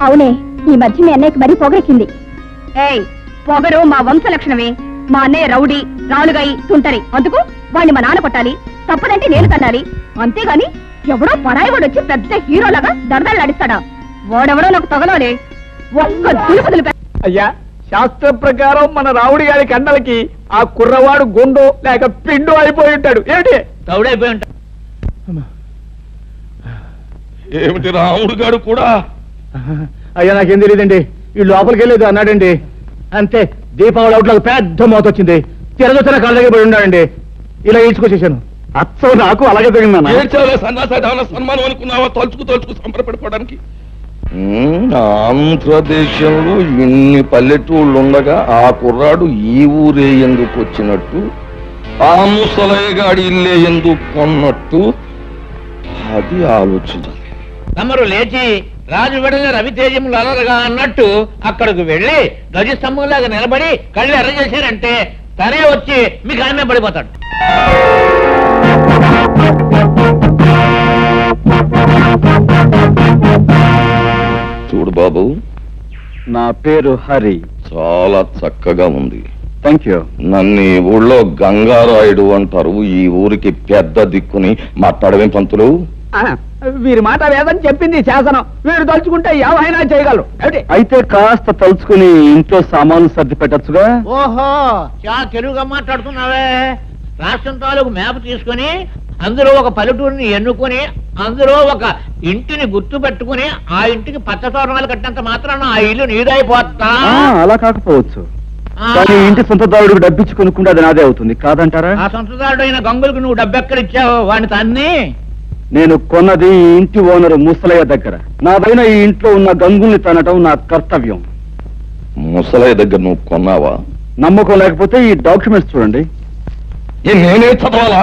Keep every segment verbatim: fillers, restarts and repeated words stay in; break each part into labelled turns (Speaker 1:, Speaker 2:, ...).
Speaker 1: అవునే, ఈ మధ్య మీ అన్నయ్యకి మరీ పొగరెక్కింది. ఏయ్, పొగరు మా వంశ లక్షణమే. మా అన్నయ్య రౌడీ, రాలుగాయి, తుంటరి. అందుకు వాణ్ణి మా నాన్న కొట్టాలి, తప్పదంటే నేను తన్నాలి. అంతేగాని ఎవడో పరాయి వాడు వచ్చి పెద్ద హీరోలాగా దరదలు నడిస్తాడా? వాడెవడో నాకు తగలోనే. ఒక్క దులుపుదులు.
Speaker 2: అయ్యా, శాస్త్ర ప్రకారం మన రావుడి గారి కండలకి ఆ కుర్రవాడు గుండు లేక పిండు అయిపోయి ఉంటాడు. ఏమిటి
Speaker 3: తౌడైపోయి ఉంటాడు?
Speaker 4: ఏమిటి రాముడు గారు కూడా?
Speaker 2: అయ్యా, నాకేం తెలియదండి. ఈ లోపలికి వెళ్ళేది అన్నాడండి. అంతే, దీపావళి అవుట్లకు పెద్ద మోత వచ్చింది. తిరగొచ్చిన కాళ్ళ దగ్గర పడి ఉన్నాడండి. ఇలా ఈడ్చుకొచ్చేసాను. అచ్చం నాకు అలాగే తగిన
Speaker 4: ఏడ్చావులే సన్నాస సన్మానం అనుకున్నావా? తలుచుకు తలుచుకు సంబరపడిపోవడానికి. ఆంధ్రదేశంలో ఇన్ని పల్లెటూళ్ళు ఉండగా ఆ కుర్రాడు ఈ ఊరే ఎందుకు వచ్చినట్టు, ఆ ముసలయ్యగాడి ఇల్లే ఎందుకు కొన్నట్టు, అది ఆలోచించాలి.
Speaker 3: తమరు లేచి రాజు వెడల రవితేజములు అలరగా అన్నట్టు అక్కడికి వెళ్లి ధ్వజస్తంభంలాగా నిలబడి కళ్ళు ఎర్ర చేశారంటే తనే వచ్చి మీకు ఆమె పడిపోతాడు.
Speaker 4: చూడు బాబు,
Speaker 2: నా పేరు హరి.
Speaker 4: చాలా చక్కగా ఉంది.
Speaker 2: Thank you.
Speaker 4: నన్ను ఈ ఊళ్ళో గంగారాయుడు అంటారు. ఈ ఊరికి పెద్ద దిక్కుని మాట్లాడవేం పంతులు?
Speaker 2: వీరి మాట వేదని చెప్పింది శాసనం. వీరు తలుచుకుంటే ఏమైనా చేయగలరు. అయితే కాస్త తలుచుకుని ఇంట్లో సామాన్లు సర్ది పెట్టచ్చుగా.
Speaker 3: ఓహో, చాలా తెలుగుగా మాట్లాడుతున్నావే. రాష్ట్రం తాలూకు మ్యాప్ తీసుకుని అందులో ఒక పల్లెటూరిని ఎన్నుకొని అందులో ఒక ఇంటిని గుర్తు పెట్టుకుని ఆ ఇంటికి పచ్చ తోరణాలు కట్టినంత మాత్రాన ఆ ఇల్లు నీదైపోతా?
Speaker 2: అలా కాకపోవచ్చు, కానీ ఇంటి సొంతదారుడికి డబ్బిచ్చి కొనుక్కుంటే అది నాదే అవుతుంది కాదంటారా?
Speaker 3: ఆ సొంతదారుడు అయిన గంగులకు నువ్వు డబ్బెక్కడిచ్చావు? వాడిని తన్ని
Speaker 2: నేను కొన్నది ఈ ఇంటి ఓనరు ముసలయ్య దగ్గర. నాదైన ఈ ఇంట్లో ఉన్న గంగుల్ని తనటం నా కర్తవ్యం.
Speaker 4: ముసలయ్య దగ్గర నువ్వు కొన్నావా?
Speaker 2: నమ్మకం లేకపోతే ఈ డాక్యుమెంట్స్ చూడండి.
Speaker 4: నేనే చదవాలా?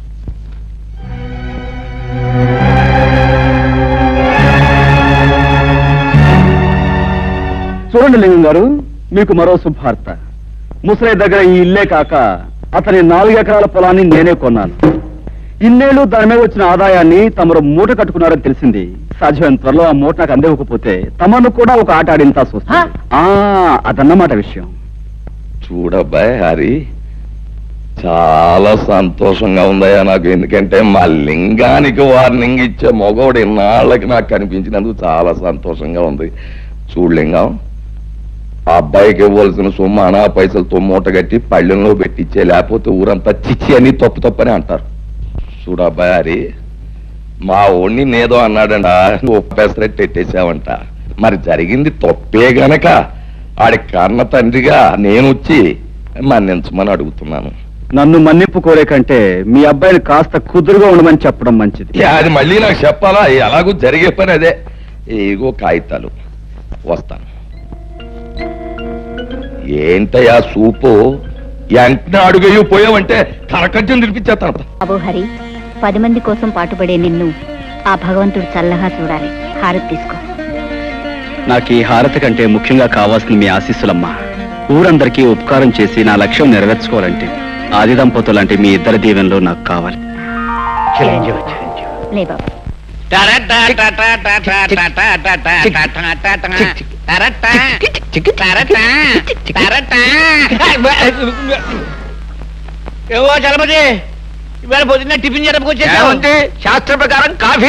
Speaker 2: చూడండి లింగం గారు, మీకు మరో శుభార్త. ముసలయ్య దగ్గర ఈ ఇల్లే కాక అతని నాలుగు ఎకరాల పొలాన్ని నేనే కొన్నాను. ఇన్నేళ్లు దాని మీద వచ్చిన ఆదాయాన్ని తమరు మూట కట్టుకున్నారని తెలిసింది. సాధ్యమైన త్వరలో ఆ మూట నాకు అందివ్వకపోతే తమను కూడా ఒక ఆట ఆడింతా చూస్తా. అదన్నమాట విషయం.
Speaker 4: చూడబ్బాయ్ హరి, చాలా సంతోషంగా ఉందయ్యా నాకు. ఎందుకంటే మా లింగానికి వార్నింగ్ ఇచ్చే మగవాడు ఇన్నాళ్ళకి నాకు కనిపించినందుకు చాలా సంతోషంగా ఉంది. చూడు లింగం, ఆ అబ్బాయికి ఇవ్వాల్సిన సొమ్ము అనా పైసలతో మూట కట్టి పళ్ళెంలో పెట్టించే, లేకపోతే ఊరంతా చిచ్చి అని తప్పు తప్పని అంటారు. చూడు అబ్బాయి హరి, మా ఓణ్ణి నేదో అన్నాడంట, ఒప్పేసరెట్టు ఎట్టేసావంట. మరి జరిగింది తప్పే గనక ఆడి కన్న తండ్రిగా నేను వచ్చి మన్నించమని అడుగుతున్నాను.
Speaker 2: నన్ను మన్నింపు కోరే కంటే మీ అబ్బాయిని కాస్త కుదురుగా ఉండమని చెప్పడం మంచిది.
Speaker 4: అది మళ్ళీ నాకు చెప్పాలా? ఎలాగూ జరిగే పని అదే. ఏగో కాగితాలు, వస్తాను. ఏంటయ్యా సూపు, వెంటనే అడుగయ్యూ పోయావంటే కరకజ్జం తినిపించేస్తాను.
Speaker 1: బాబు హరి, పది మంది కోసం పాటుపడే నిన్ను ఆ భగవంతుడు చల్లగా చూడాలి. హారతి తీసుకో.
Speaker 2: నాకు ఈ హారతి కంటే ముఖ్యంగా కావాల్సింది మీ ఆశీస్సులమ్మా. ఊరందరికీ ఉపకారం చేసి నా లక్ష్యం నెరవేర్చుకోవాలంటే ఆది దంపతులంటే మీ ఇద్దరి దీవెనలో నాకు కావాలి.
Speaker 1: లే బాబు.
Speaker 3: ఏవో చలపతి, ఇవాళ పొద్దున్న టిఫిన్ జరపకొచ్చేసా.
Speaker 2: శాస్త్ర ప్రకారం కాఫీ